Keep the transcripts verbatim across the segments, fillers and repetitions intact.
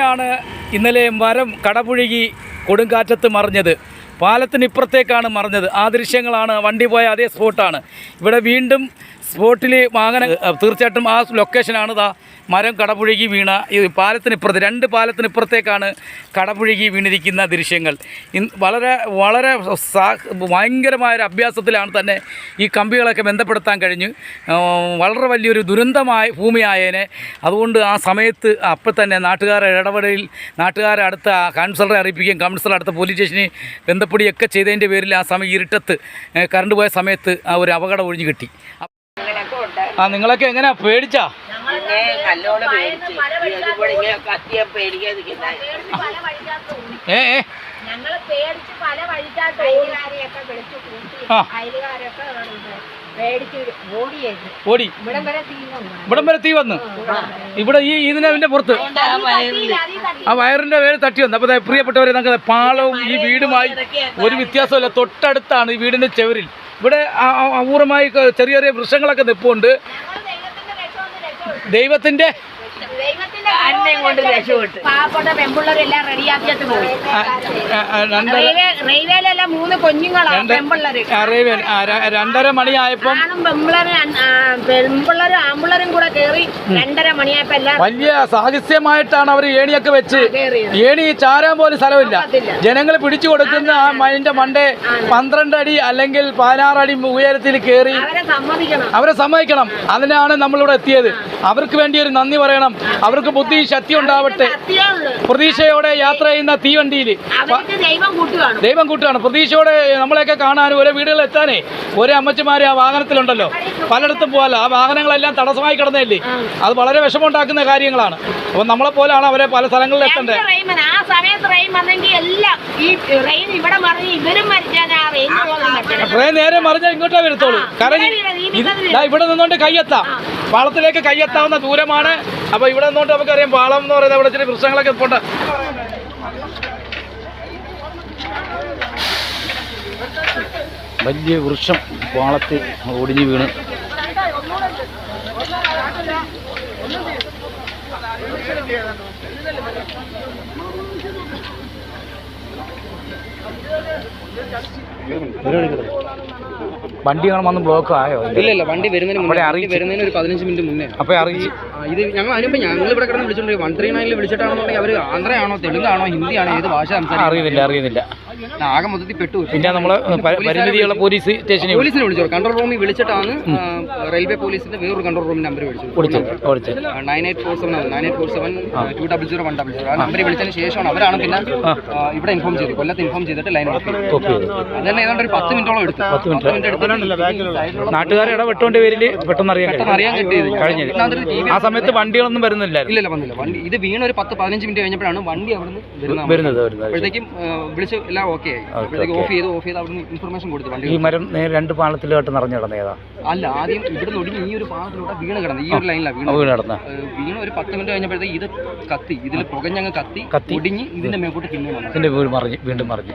ഇവിടെയാണ് ഇന്നലെ മരം കടപുഴകി കൊടുങ്കാറ്റത്ത് മറിഞ്ഞത്. പാലത്തിനിപ്പുറത്തേക്കാണ് മറിഞ്ഞത്. ആ ദൃശ്യങ്ങളാണ്, വണ്ടി പോയ അതേ സ്പോട്ടാണ്. ഇവിടെ വീണ്ടും സ്പോട്ടിൽ വാഹനം, തീർച്ചയായിട്ടും ആ ലൊക്കേഷനാണ് ദാ മരം കടപുഴകി വീണ ഈ പാലത്തിനിപ്പുറത്ത്, രണ്ട് പാലത്തിനിപ്പുറത്തേക്കാണ് കടപുഴകി വീണിരിക്കുന്ന ദൃശ്യങ്ങൾ. വളരെ വളരെ സാ ഭയങ്കരമായൊരു അഭ്യാസത്തിലാണ് തന്നെ ഈ കമ്പികളൊക്കെ ബന്ധപ്പെടുത്താൻ കഴിഞ്ഞ്. വളരെ വലിയൊരു ദുരന്തമായ ഭൂമിയായേനെ. അതുകൊണ്ട് ആ സമയത്ത് അപ്പം തന്നെ നാട്ടുകാരുടെ ഇടപെടലിൽ നാട്ടുകാരെ അടുത്ത കൗൺസിലറെ അറിയിപ്പിക്കുകയും കൗൺസിലർ അടുത്ത പോലീസ് സ്റ്റേഷനിൽ ബന്ധപ്പെടുകയൊക്കെ ചെയ്തതിൻ്റെ പേരിൽ ആ സമയം ഇരുട്ടത്ത് കറണ്ട് പോയ സമയത്ത് ആ ഒരു അപകടം ഒഴിഞ്ഞു കിട്ടി. ആ നിങ്ങളൊക്കെ എങ്ങനെയാ പേടിച്ചാ? ഏ ഏ ഓടി ഇവിടം വരെ തീ വന്നു. ഇവിടെ ഈ ഇതിന്റെ പുറത്ത് ആ വയറിന്റെ വേര് തട്ടി വന്നു. അപ്പോൾ പ്രിയപ്പെട്ടവരെ, നമുക്ക് പാളവും ഈ വീടുമായി ഒരു വ്യത്യാസമില്ല. തൊട്ടടുത്താണ് ഈ വീടിന്റെ ചെവരിൽ. ഇവിടെ അപൂർവമായി ചെറിയ ചെറിയ വൃക്ഷങ്ങളൊക്കെ നിൽപ്പുണ്ട്. ദൈവത്തിന്റെ പാവപ്പെട്ട പെൺപിള്ളേരെല്ലാം റെഡിയാക്കിയിട്ട് പോയി. റെയിൽവേയിലെല്ലാം മൂന്ന് കുഞ്ഞുങ്ങളാണ് പെൺപിള്ളേര്. രണ്ടര മണിയായപ്പോ പെൺപിള്ളേരും ആമ്പിള്ളേരും കൂടെ കയറി രണ്ടര മണിയായപ്പോ എല്ലാം വലിയ സാഹസ്യമായിട്ടാണ് അവർ ഏണിയൊക്കെ വെച്ച്. ഏണി ചാരാൻ പോലും സ്ഥലമില്ല. ജനങ്ങൾ പിടിച്ചു കൊടുക്കുന്ന ആ മൈൻ്റെ മണ്ടേ പന്ത്രണ്ട് അടി അല്ലെങ്കിൽ പതിനാറ് അടി ഉയരത്തിൽ കയറി അവരെ സമ്മതിക്കണം. അതിനാണ് നമ്മളിവിടെ എത്തിയത്. അവർക്ക് വേണ്ടി ഒരു നന്ദി പറയണം. അവർക്ക് ബുദ്ധി ശക്തി ഉണ്ടാവട്ടെ. പ്രതീക്ഷയോടെ യാത്ര ചെയ്യുന്ന തീവണ്ടിയിൽ ദൈവം കൂട്ടുകയാണ്. പ്രതീക്ഷയോടെ നമ്മളെയൊക്കെ കാണാനും ഓരോ വീടുകളിൽ എത്താനേ ഓരോ അമ്മച്ചിമാരെ ആ വാഹനത്തിലുണ്ടല്ലോ. പലയിടത്തും പോകാലോ. ആ വാഹനങ്ങളെല്ലാം തടസ്സമായി കിടന്നതല്ലേ. അത് വളരെ വിഷമമുണ്ടാക്കുന്ന കാര്യങ്ങളാണ്. അപ്പോൾ നമ്മളെ പോലാണ് അവരെ പല സ്ഥലങ്ങളിൽ എത്തേണ്ടത്. ട്രെയിൻ നേരെ മറിഞ്ഞാൽ ഇങ്ങോട്ടേ വരത്തുള്ളൂ. കാരണം ഇവിടെ നിന്നുകൊണ്ട് കയ്യെത്താം, പാളത്തിലേക്ക് കയ്യെത്താവുന്ന ദൂരമാണ്. അപ്പോൾ ഇവിടെ നിന്നുകൊണ്ട് നമുക്കറിയാം പാളം എന്ന് പറയുന്നത് അവിടെ ചില വൃക്ഷങ്ങളൊക്കെ പോണ്ട. വലിയ വൃക്ഷം പാളത്തിൽ ഒടിഞ്ഞു വീണ് വണ്ടി കാണുമ്പോൾ ബ്ലോക്ക് ആയോ? ഇല്ല ഇല്ല, വണ്ടി വരുന്നതിന് മുന്നേ വരുന്നതിന് ഒരു പതിനഞ്ച് മിനിറ്റ് മുന്നേ അപ്പോൾ അറിയിച്ചു. ഇത് ഞങ്ങൾ അതിനുമ്പോൾ ഞങ്ങൾ ഇവിടെ കിടന്ന് വിളിച്ചിട്ടുണ്ട്. വൺ ത്രീ നയനിൽ വിളിച്ചിട്ടാണെന്നുണ്ടെങ്കിൽ അവർ ആന്ധ്രയാണോ തെലുങ്കാണോ ഹിന്ദിയാണോ ഏത് ഭാഷ സംസാരിക്കും അറിയുന്നില്ല അറിയുന്നില്ല ആകെ മൊത്തത്തിൽ പെട്ടു. പിന്നെ നമ്മൾ പരിമിതിയുള്ള പോലീസ് സ്റ്റേഷനിൽ പോലീസിനെ വിളിച്ചു. കൺട്രോൾ റൂമിൽ വിളിച്ചിട്ടാണ് റെയിൽവേ പോലീസിന്റെ വേറൊരു കൺട്രോൾ റൂമിൽ നമ്പർ വിളിച്ചു. Nine eight four seven nine eight four seven two double zero one double zero ആ നമ്പർ വിളിച്ചതിന് ശേഷമാണ് അവരാണ് പിന്നെ ഇവിടെ ഇൻഫോം ചെയ്തു. കൊല്ലത്ത് ഇൻഫോം ചെയ്തിട്ട് ലൈൻ ഓഫ് ചെയ്തു. അതന്നെ ഏതാണ്ട് ഒരു പത്ത് മിനിറ്റോളം എടുത്തു. പത്ത് മിനിറ്റ് എടുത്തു. നാട്ടുകാരെ ഇടപെട്ടോണ്ട് പേരിൽ പെട്ടെന്ന് അറിയാൻ അറിയാൻ കിട്ടിയത് കഴിഞ്ഞത്. ആ സമയത്ത് വണ്ടികളൊന്നും വരുന്നില്ല. ഇല്ല വന്നില്ല. വണ്ടി ഇത് വീണ ഒരു പത്ത് പതിനഞ്ച് മിനിറ്റ് കഴിഞ്ഞപ്പോഴാണ് വണ്ടി അവിടെ നിന്ന് വരുന്നത്. അപ്പോഴത്തേക്കും വിളിച്ച് എല്ലാം ഓക്കെ ആയി. അപ്പോഴത്തേക്ക് ഓഫ് ചെയ്ത് ഓഫ് ചെയ്ത് അവിടെ ഇൻഫർമേഷൻ കൊടുത്തു. വണ്ടി ഈ മരം രണ്ട് പാളത്തിലോട്ട് നിറഞ്ഞു കിടന്നേതാ? അല്ല, ആദ്യം ഇവിടെ നിന്ന് ഈ ഒരു പാളത്തിലൂടെ വീണ് കിടന്നത്. ഈ ഒരു ലൈനിലാണ് വീണ് വീണ് കിടന്ന വീണ ഒരു പത്ത് മിനിറ്റ് കഴിഞ്ഞപ്പോഴത്തേക്ക് ഇത് കത്തി, ഇതിൽ പുകഞ്ഞങ്ങ് കത്തി കത്തി ഒടിഞ്ഞ് ഇതിന്റെ മേപ്പോട്ട് പിന്നെ ഇതിന്റെ വീട് മറിഞ്ഞ് വീണ്ടും മറിഞ്ഞു.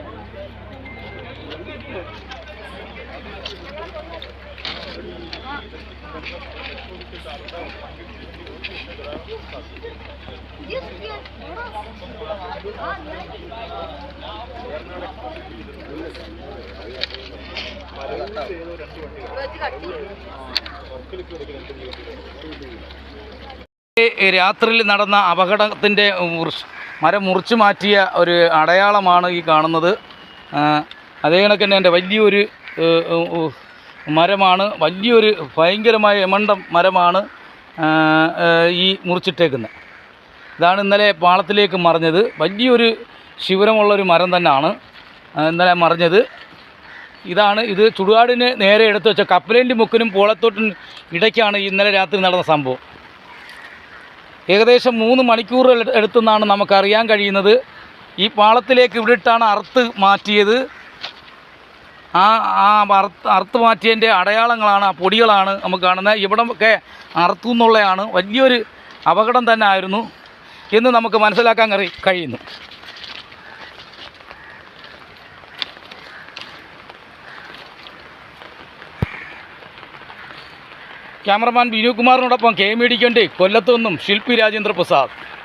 രാത്രിയിൽ നടന്ന അപകടത്തിൻ്റെ മരം മുറിച്ചു മാറ്റിയ ഒരു അടയാളമാണ് ഈ കാണുന്നത്. അതേ കണക്ക് തന്നെ എൻ്റെ വലിയൊരു മരമാണ്, വലിയൊരു ഭയങ്കരമായ എമണ്ടം മരമാണ് ഈ മുറിച്ചിട്ടേക്കുന്നത്. ഇതാണ് ഇന്നലെ പാളത്തിലേക്ക് മറിഞ്ഞത്. വലിയൊരു ശിവരമുള്ളൊരു മരം തന്നെയാണ് ഇന്നലെ മറിഞ്ഞത്. ഇതാണ് ഇത് ചുടുകാടിന് നേരെ എടുത്തു വെച്ച കപ്പലേൻ്റെ മുക്കിനും പോളത്തോട്ടിനും ഇടയ്ക്കാണ് ഇന്നലെ രാത്രി നടന്ന സംഭവം. ഏകദേശം മൂന്ന് മണിക്കൂർ എടുത്തെന്നാണ് നമുക്കറിയാൻ കഴിയുന്നത്. ഈ പാളത്തിലേക്ക് ഇവിടിട്ടാണ് അറുത്ത് മാറ്റിയത്. ആ ആ അറുത്ത് അറുത്ത് മാറ്റിയതിൻ്റെ അടയാളങ്ങളാണ്, ആ പൊടികളാണ് നമുക്ക് കാണുന്നത്. ഇവിടമൊക്കെ അറുത്തു എന്നുള്ളതാണ്. വലിയൊരു അപകടം തന്നെ ആയിരുന്നു എന്ന് നമുക്ക് മനസ്സിലാക്കാൻ കഴിയുന്നു. ക്യാമറമാൻ വിനു കുമാറിനോടൊപ്പം കെ മീഡിയയ്ക്ക് വേണ്ടി കൊല്ലത്തു നിന്നും ശില്പി രാജേന്ദ്ര പ്രസാദ്.